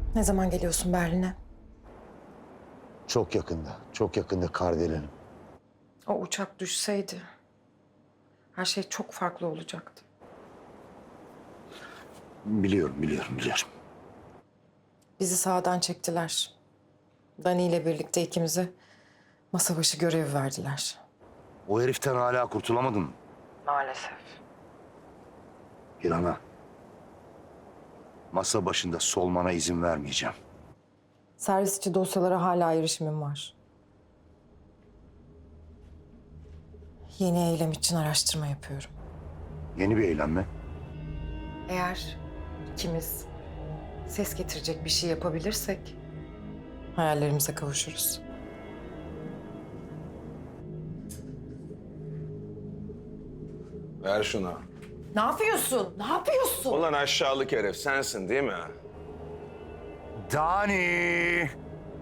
Ne zaman geliyorsun Berlin'e? Çok yakında, çok yakında Kardelen. O uçak düşseydi her şey çok farklı olacaktı. Biliyorum. Bizi sağdan çektiler. Dani ile birlikte ikimize masa başı görevi verdiler. O heriften hala kurtulamadın mı? Maalesef. İlhan'a. Masa başında solmana izin vermeyeceğim. Servis içi dosyalara hala erişimim var. Yeni eylem için araştırma yapıyorum. Yeni bir eylem mi? Eğer ikimiz ses getirecek bir şey yapabilirsek hayallerimize kavuşuruz. Ver şunu. Ne yapıyorsun? Ne yapıyorsun? Ulan aşağılık herif sensin değil mi? Dani!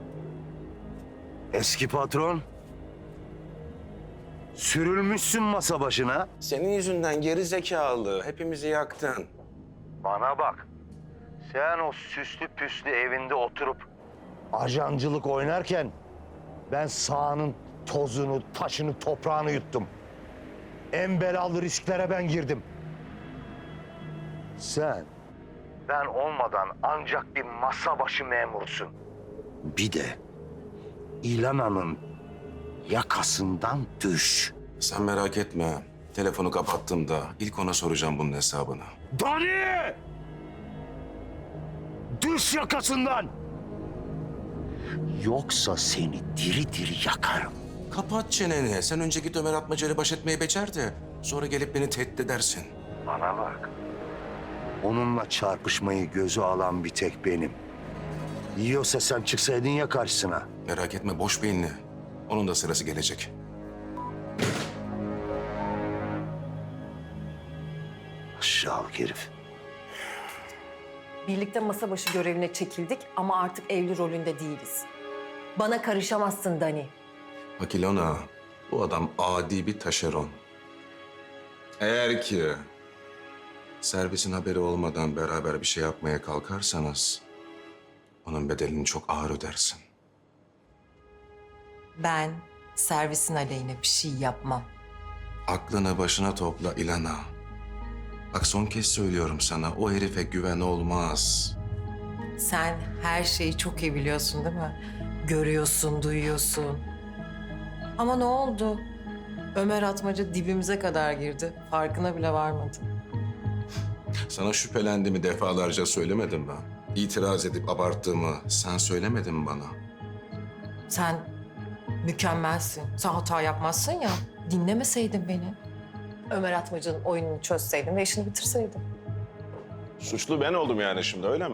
Eski patron. Sürülmüşsün masa başına. Senin yüzünden geri zekalı. Hepimizi yaktın. Bana bak. Sen o süslü püslü evinde oturup ajancılık oynarken ben sahanın tozunu, taşını, toprağını yuttum. En belalı risklere ben girdim. Sen ben olmadan ancak bir masa başı memursun. Bir de İlana'nın yakasından düş. Sen merak etme. Telefonu kapattığımda ilk ona soracağım bunun hesabını. Dani! Düş yakasından! Yoksa seni diri diri yakarım. Kapat çeneni. Sen önce git Ömer Atmaca ile baş etmeyi becer de sonra gelip beni tehdit edersin. Bana bak. Onunla çarpışmayı göze alan bir tek benim. Yiyorsa sen çıksaydın ya karşısına. Merak etme boş beyinli. Onun da sırası gelecek. Aşağılık herif. Birlikte masa başı görevine çekildik ama artık evli rolünde değiliz. Bana karışamazsın Dani. Bak İlona, bu adam adi bir taşeron. Eğer ki servisin haberi olmadan beraber bir şey yapmaya kalkarsanız onun bedelini çok ağır ödersin. Ben servisin aleyhine bir şey yapmam. Aklını başına topla İlana. Bak son kez söylüyorum sana, o herife güven olmaz. Sen her şeyi çok iyi biliyorsun değil mi? Görüyorsun, duyuyorsun. Ama ne oldu? Ömer Atmaca dibimize kadar girdi. Farkına bile varmadı. Sana şüphelendiğimi defalarca söylemedim mi? İtiraz edip abarttığımı sen söylemedin mi bana? Sen mükemmelsin. Sen hata yapmazsın ya. Dinlemeseydin beni. Ömer Atmaca'nın oyununu çözseydin ve işini bitirseydin. Suçlu ben oldum yani şimdi öyle mi?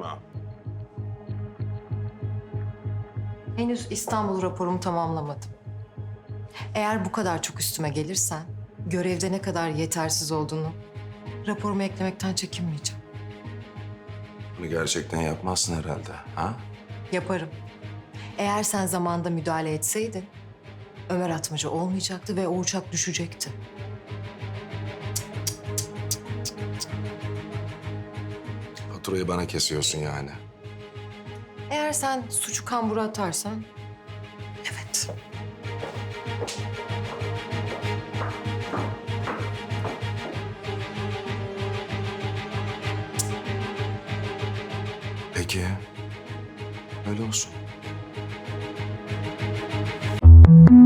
Henüz İstanbul raporumu tamamlamadım. Eğer bu kadar çok üstüme gelirsen, görevde ne kadar yetersiz olduğunu raporuma eklemekten çekinmeyeceğim. Bunu gerçekten yapmazsın herhalde, ha? Yaparım. Eğer sen zamanında müdahale etseydin, Ömer Atmaca olmayacaktı ve o uçak düşecekti. Faturayı bana kesiyorsun yani. Eğer sen suçu kambura atarsan, evet. Peki, öyle olsun.